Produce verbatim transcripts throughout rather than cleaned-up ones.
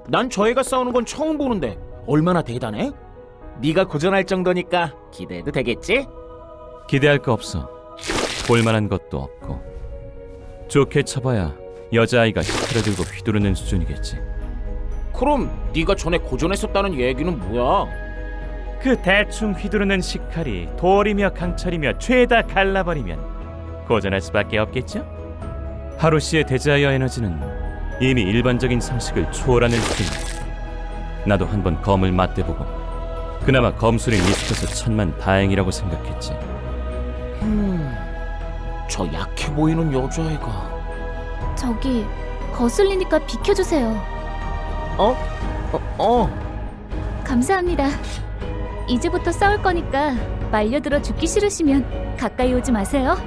난 저 애가 싸우는 건 처음 보는데 얼마나 대단해? 네가 고전할 정도니까 기대해도 되겠지? 기대할 거 없어. 볼만한 것도 없고. 좋게 쳐봐야 여자아이가 히트를 들고 휘두르는 수준이겠지. 그럼 네가 전에 고전했었다는 얘기는 뭐야? 그 대충 휘두르는 식칼이 돌이며 강철이며 죄다 갈라버리면 고전할 수밖에 없겠죠? 하루 씨의 데자이어 에너지는 이미 일반적인 상식을 초월하는 수준이야. 나도 한번 검을 맞대보고 그나마 검술이 미숙해서 천만 다행이라고 생각했지. 음, 저 약해 보이는 여자애가 저기 거슬리니까 비켜주세요. 어? 어? 어? 감사합니다. 이제부터 싸울 거니까 말려들어 죽기 싫으시면 가까이 오지 마세요.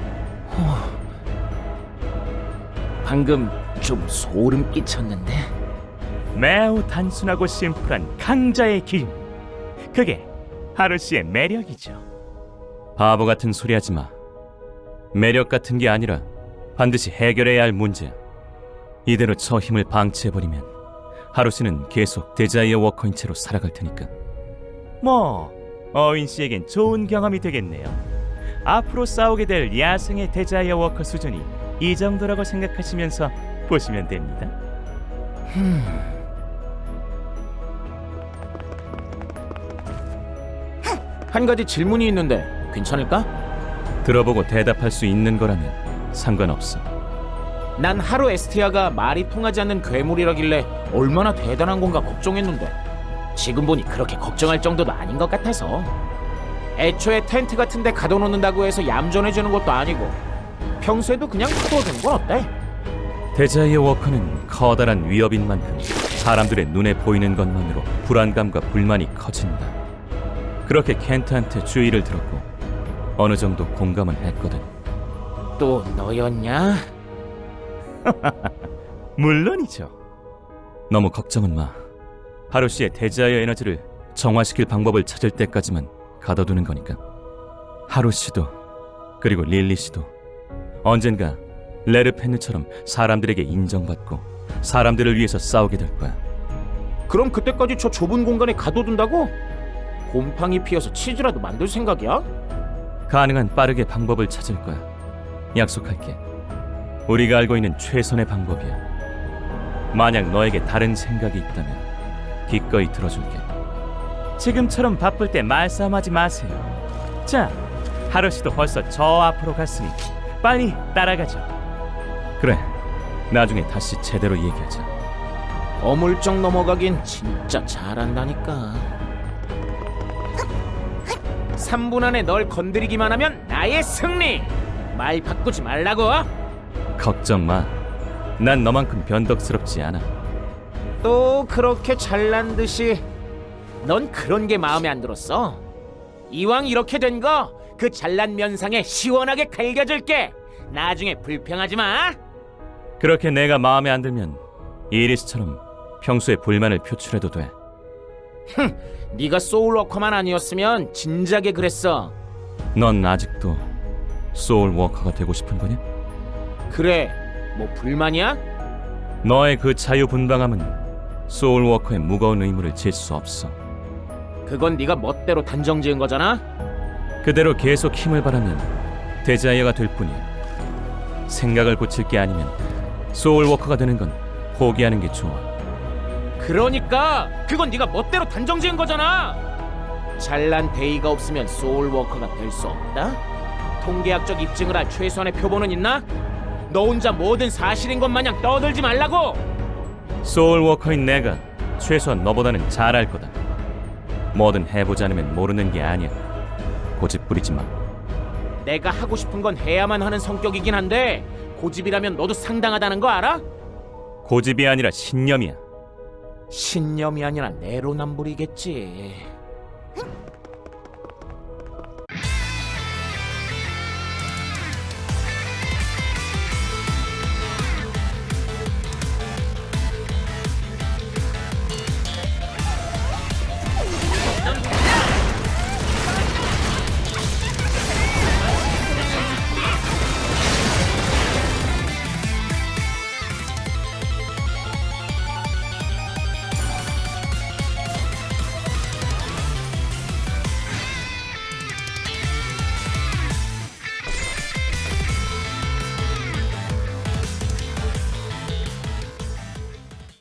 방금 좀 소름 끼쳤는데. 매우 단순하고 심플한 강자의 길. 그게 하루 씨의 매력이죠. 바보 같은 소리 하지 마. 매력 같은 게 아니라 반드시 해결해야 할 문제야. 이대로 저 힘을 방치해버리면 하루 씨는 계속 데자이어 워커인 채로 살아갈 테니까. 뭐 어윈 씨에겐 좋은 경험이 되겠네요. 앞으로 싸우게 될 야생의 데자이어 워커 수준이 이 정도라고 생각하시면서 보시면 됩니다. 한 가지 질문이 있는데 괜찮을까? 들어보고 대답할 수 있는 거라면 상관없어. 난 하루 에스티아가 말이 통하지 않는 괴물이라길래 얼마나 대단한 건가 걱정했는데 지금 보니 그렇게 걱정할 정도도 아닌 것 같아서. 애초에 텐트 같은 데 가둬놓는다고 해서 얌전해지는 것도 아니고 평소에도 그냥 풀어주는 건 어때? 데자이어 워커는 커다란 위협인 만큼 사람들의 눈에 보이는 것만으로 불안감과 불만이 커진다. 그렇게 켄트한테 주의를 들었고 어느 정도 공감은 했거든. 또 너였냐? 물론이죠. 너무 걱정은 마. 하루 씨의 데자이어 에너지를 정화시킬 방법을 찾을 때까지만 가둬두는 거니까. 하루 씨도 그리고 릴리 씨도 언젠가 레르펜느처럼 사람들에게 인정받고 사람들을 위해서 싸우게 될 거야. 그럼 그때까지 저 좁은 공간에 가둬둔다고? 곰팡이 피어서 치즈라도 만들 생각이야? 가능한 빠르게 방법을 찾을 거야. 약속할게. 우리가 알고 있는 최선의 방법이야. 만약 너에게 다른 생각이 있다면 기꺼이 들어줄게. 지금처럼 바쁠 때 말싸움하지 마세요. 자, 하루 씨도 벌써 저 앞으로 갔으니 빨리 따라가죠. 그래, 나중에 다시 제대로 얘기하자. 어물쩍 넘어가긴 진짜 잘한다니까. 삼 분 안에 널 건드리기만 하면 나의 승리! 말 바꾸지 말라고! 걱정 마. 난 너만큼 변덕스럽지 않아. 또 그렇게 잘난 듯이. 넌 그런 게 마음에 안 들었어? 이왕 이렇게 된 거 그 잘난 면상에 시원하게 갈겨줄게. 나중에 불평하지 마. 그렇게 내가 마음에 안 들면 이리스처럼 평소에 불만을 표출해도 돼. 흥, 네가 소울워커만 아니었으면 진작에 그랬어. 넌 아직도 소울워커가 되고 싶은 거냐? 그래, 뭐 불만이야? 너의 그 자유분방함은 소울워커의 무거운 의무를 질 수 없어. 그건 네가 멋대로 단정지은 거잖아? 그대로 계속 힘을 바라면 데자이어가 될 뿐이야. 생각을 고칠 게 아니면 소울워커가 되는 건 포기하는 게 좋아. 그러니까 그건 네가 멋대로 단정지은 거잖아. 잘난 데이가 없으면 소울워커가 될 수 없다? 통계학적 입증을 할 최소한의 표본은 있나? 너 혼자 뭐든 사실인 것 마냥 떠들지 말라고! 소울워커인 내가 최소한 너보다는 잘할 거다. 뭐든 해보지 않으면 모르는 게 아니야. 고집 부리지 마. 내가 하고 싶은 건 해야만 하는 성격이긴 한데 고집이라면 너도 상당하다는 거 알아? 고집이 아니라 신념이야. 신념이 아니라 내로남불이겠지.